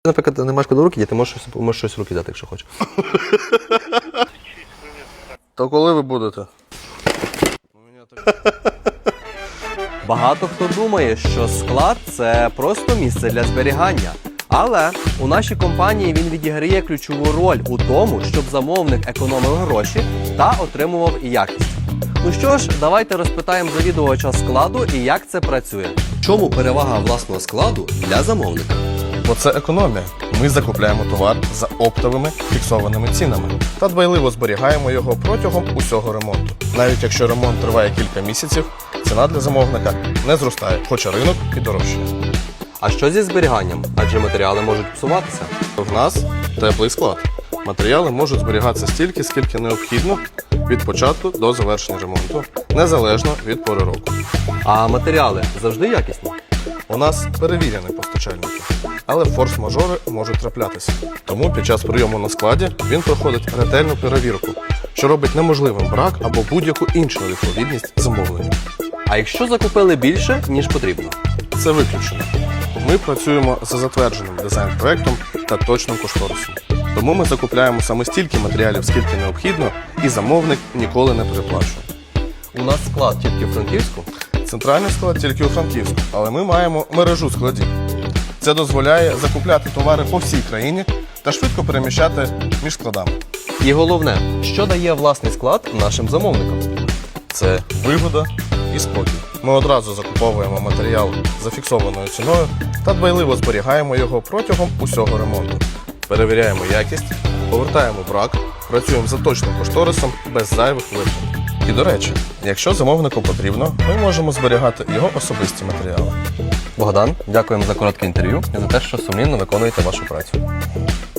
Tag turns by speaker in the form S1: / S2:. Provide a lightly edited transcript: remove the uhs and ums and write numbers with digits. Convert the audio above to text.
S1: Наприклад, не маєш коли руки діти, можеш щось в руки дати, якщо хочеш.
S2: То коли ви будете?
S1: Багато хто думає, що склад – це просто місце для зберігання. Але у нашій компанії він відіграє ключову роль у тому, щоб замовник економив гроші та отримував якість. Ну що ж, давайте розпитаємо завідувача складу і як це працює. Чому перевага власного складу для замовника?
S2: Бо це економія. Ми закупляємо товар за оптовими фіксованими цінами та дбайливо зберігаємо його протягом усього ремонту. Навіть якщо ремонт триває кілька місяців, ціна для замовника не зростає, хоча ринок і дорожчає.
S1: А що зі зберіганням? Адже матеріали можуть псуватися.
S2: В нас теплий склад. Матеріали можуть зберігатися стільки, скільки необхідно від початку до завершення ремонту, незалежно від пори року.
S1: А матеріали завжди якісні?
S2: У нас перевірені постачальники, але форс-мажори можуть траплятися. Тому під час прийому на складі він проходить ретельну перевірку, що робить неможливим брак або будь-яку іншу невідповідність замовленню.
S1: А якщо закупили більше, ніж потрібно?
S2: Це виключено. Ми працюємо за затвердженим дизайн-проектом та точним кошторисом. Тому ми закупляємо саме стільки матеріалів, скільки необхідно, і замовник ніколи не переплачує.
S1: У нас склад тільки в Франківську.
S2: Центральний склад тільки у Франківську, але ми маємо мережу складів. Це дозволяє закупляти товари по всій країні та швидко переміщати між складами.
S1: І головне, що дає власний склад нашим замовникам?
S2: Це вигода і спокій. Ми одразу закуповуємо матеріал за фіксованою ціною та дбайливо зберігаємо його протягом усього ремонту. Перевіряємо якість, повертаємо брак, працюємо за точним кошторисом без зайвих витрат. І, до речі, якщо замовнику потрібно, ми можемо зберігати його особисті матеріали.
S1: Богдан, дякуємо за коротке інтерв'ю і за те, що сумлінно виконуєте вашу працю.